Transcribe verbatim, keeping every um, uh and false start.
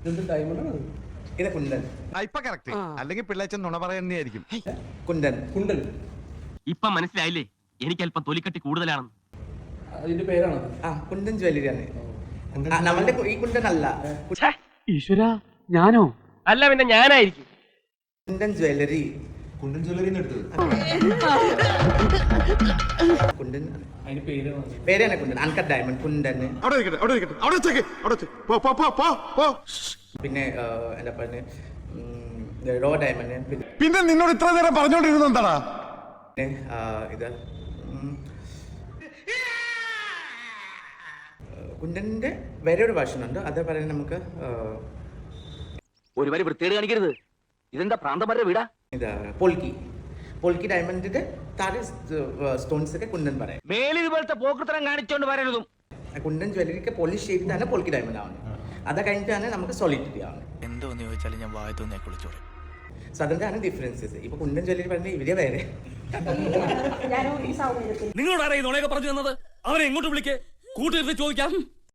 ഇത് കുണ്ടൻ. അല്ലെങ്കിൽ പിള്ളേച്ചൻ നുണ പറയുന്നതായിരിക്കും. കുണ്ടൻ കുണ്ടൻ ഇപ്പൊ മനസ്സിലായില്ലേ എനിക്ക് അല്പം തൊലിക്കട്ടി കൂടുതലാണെന്ന്. അതിന്റെ പേരാണ് ആ കുണ്ടൻ ജ്വല്ലറിയാണ്. നമ്മളുടെ ഈ കുണ്ടൻ അല്ല. ഈശ്വര ഞാനോ? അല്ല പിന്നെ ഞാനായിരിക്കും. കുണ്ടൻ ജ്വല്ലറി. കുണ്ടൻ ജ്വല്ലറി എടുത്തത് കുണ്ടൻ അതിന്റെ പേരാണ്. പേരാണ് കുണ്ടൻ. Uncut diamond കുണ്ടൻ. പിന്നെ എന്താ പറയുക, റോ ഡയമണ്ട്. പിന്നെ നിന്നോട് ഇത്ര നേരം പറഞ്ഞോണ്ടിരുന്ന എന്താടാ? പിന്നെ ഇത് കുണ്ടന്റെ വേറെ ഒരു വേർഷൻ ഉണ്ട്. അത് പറയുന്നത് നമുക്ക് ഒരു വരി വൃത്തികേട് കാണിക്കരുത്. ഇതെന്താ പ്രാന്തമാരുടെ വീടാ? ഇതാ പോൾക്കി. പോൾക്കി ഡയമണ്ടിന്റെ താഴെ സ്റ്റോൺസ് ഒക്കെ കുണ്ടൻ പറയാം. മേലിൽ ഇതുപോലത്തെ പോക്കൃത്തരം കാണിച്ചോണ്ട് വരരുതും. കുണ്ടൻ ജ്വല്ലറിക്ക് പോളിഷ് ചെയ്തിട്ടാണ് പോൾക്കി ഡയമണ്ട് ആവുന്നത്. അത് കഴിഞ്ഞിട്ടാണ് നമുക്ക് സോളിഡിറ്റി ആവുന്നത്. എന്തോന്ന് ചോദിച്ചാലും ഞാൻ വായ തോന്നിയാ കുളിച്ചോളൂ. So അതിന്റെയാണ് differences. ഇപ്പൊ കുണ്ടൻ ജ്വല്ലറി പറഞ്ഞാൽ ഇവരെ വേറെ. നിങ്ങളോട് ആരാ ഈ നുണയൊക്കെ പറഞ്ഞു തന്നത്? അവനെ എങ്ങോട്ട് വിളിക്കേ? കൂട്ടിരുന്ന് ചോദിക്കാം.